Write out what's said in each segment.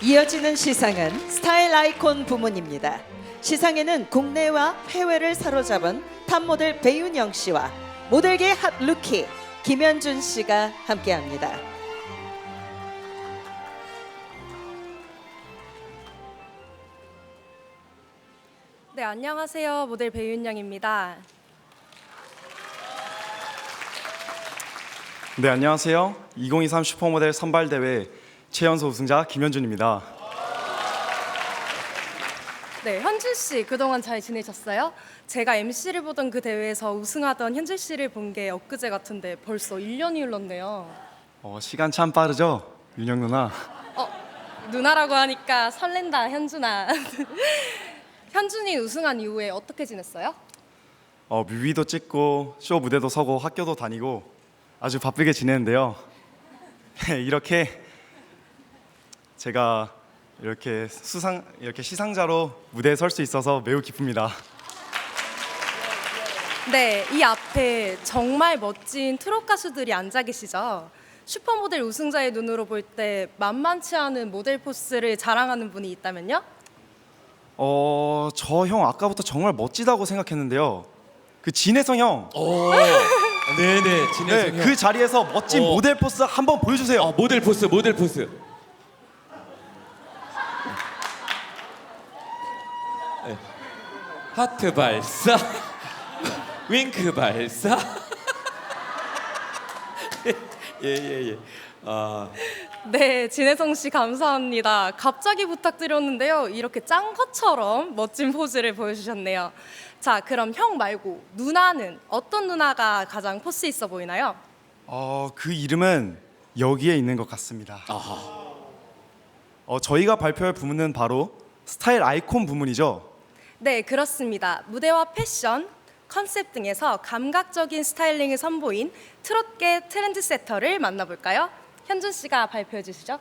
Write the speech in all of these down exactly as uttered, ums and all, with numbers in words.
이어지는 시상은 스타일 아이콘 부문입니다. 시상에는 국내와 해외를 사로잡은 탑모델 배윤영 씨와 모델계 핫 루키 김현준 씨가 함께합니다. 네, 안녕하세요. 모델 배윤영입니다. 네, 안녕하세요. 이천이십삼 슈퍼모델 선발대회 최연소 우승자 김현준입니다. 네, 현준 씨 그동안 잘 지내셨어요? 제가 엠씨를 보던 그 대회에서 우승하던 현준 씨를 본 게 엊그제 같은데 벌써 일 년이 흘렀네요. 어, 시간 참 빠르죠? 윤영 누나. 어, 누나라고 하니까 설렌다, 현준아. 현준이 우승한 이후에 어떻게 지냈어요? 어, 뮤비도 찍고 쇼 무대도 서고 학교도 다니고 아주 바쁘게 지내는데요. 이렇게 제가 이렇게 수상 이렇게 시상자로 무대에 설 수 있어서 매우 기쁩니다. 네, 이 앞에 정말 멋진 트롯 가수들이 앉아 계시죠? 슈퍼모델 우승자의 눈으로 볼 때 만만치 않은 모델 포스를 자랑하는 분이 있다면요? 어, 저 형 아까부터 정말 멋지다고 생각했는데요. 그 진혜성 형. 오, 네네, 진혜성 네, 형. 그 자리에서 멋진 어. 모델 포스 한번 보여주세요. 어, 모델 포스, 모델 포스. 네. 하트 발사, 윙크 발사. 예예 예. 아, 네, 진혜성 씨 감사합니다. 갑자기 부탁드렸는데요. 이렇게 짠 것처럼 멋진 포즈를 보여주셨네요. 자, 그럼 형 말고 누나는 어떤 누나가 가장 포스 있어 보이나요? 어, 그 이름은 여기에 있는 것 같습니다. 아하. 어, 저희가 발표할 부문은 바로 스타일 아이콘 부문이죠. 네, 그렇습니다. 무대와 패션, 컨셉 등에서 감각적인 스타일링을 선보인 트롯계 트렌드세터를 만나볼까요? 현준 씨가 발표해 주시죠.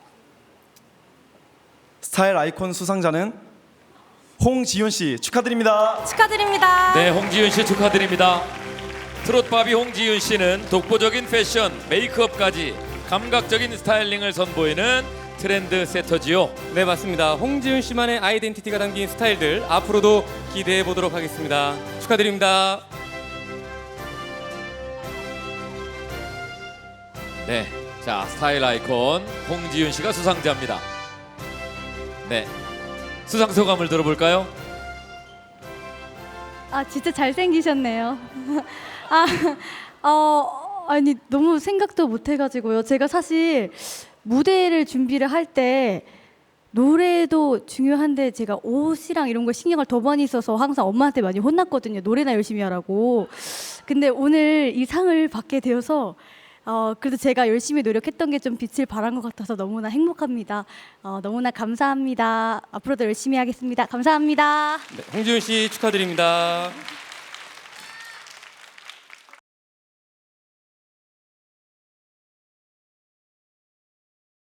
스타일 아이콘 수상자는 홍지윤 씨 축하드립니다. 축하드립니다. 네, 홍지윤 씨 축하드립니다. 트롯바비 홍지윤 씨는 독보적인 패션, 메이크업까지 감각적인 스타일링을 선보이는 트렌드 세터지요. 네, 맞습니다. 홍지윤 씨만의 아이덴티티가 담긴 스타일들 앞으로도 기대해 보도록 하겠습니다. 축하드립니다. 네, 자, 스타일 아이콘 홍지윤 씨가 수상자입니다. 네, 수상 소감을 들어볼까요? 아, 진짜 잘생기셨네요. 아, 어, 아니 너무 생각도 못 해가지고요. 제가 사실 무대를 준비를 할 때 노래도 중요한데 제가 옷이랑 이런 걸 신경을 더 많이 써서 항상 엄마한테 많이 혼났거든요. 노래나 열심히 하라고. 근데 오늘 이 상을 받게 되어서 어, 그래도 제가 열심히 노력했던 게 좀 빛을 발한 것 같아서 너무나 행복합니다. 어, 너무나 감사합니다. 앞으로도 열심히 하겠습니다. 감사합니다. 네, 홍지윤 씨 축하드립니다.